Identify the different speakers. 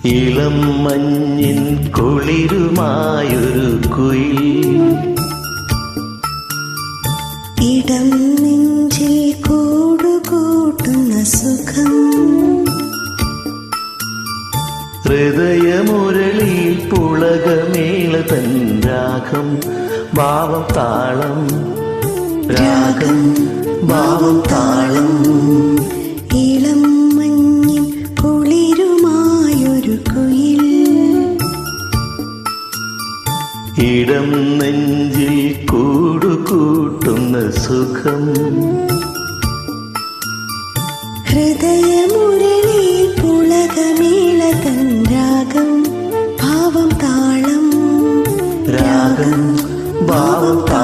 Speaker 1: ഇളം മഞ്ഞിൻ കുളിരുമായൊരു കുയിൽ
Speaker 2: ഇടം നെഞ്ചിൽ കൂടുകൂട്ടുന്ന സുഖം
Speaker 1: ഹൃദയമുരളിയിൽ പുളകമേള തൻ രാഗം ഭാവം താളം രാഗം ഭാവം താളം
Speaker 2: ഇളം മഞ്ഞിൻ കുളിരുമായൊരു കുയിൽ
Speaker 1: ഇടം നെഞ്ചിൽ കൂടുകൂട്ടുന്ന സുഖം
Speaker 2: ഹൃദയമുരളിയിൽ പുളകമേള തൻ രാഗം ഭാവം താളം
Speaker 1: രാഗം ഭാവം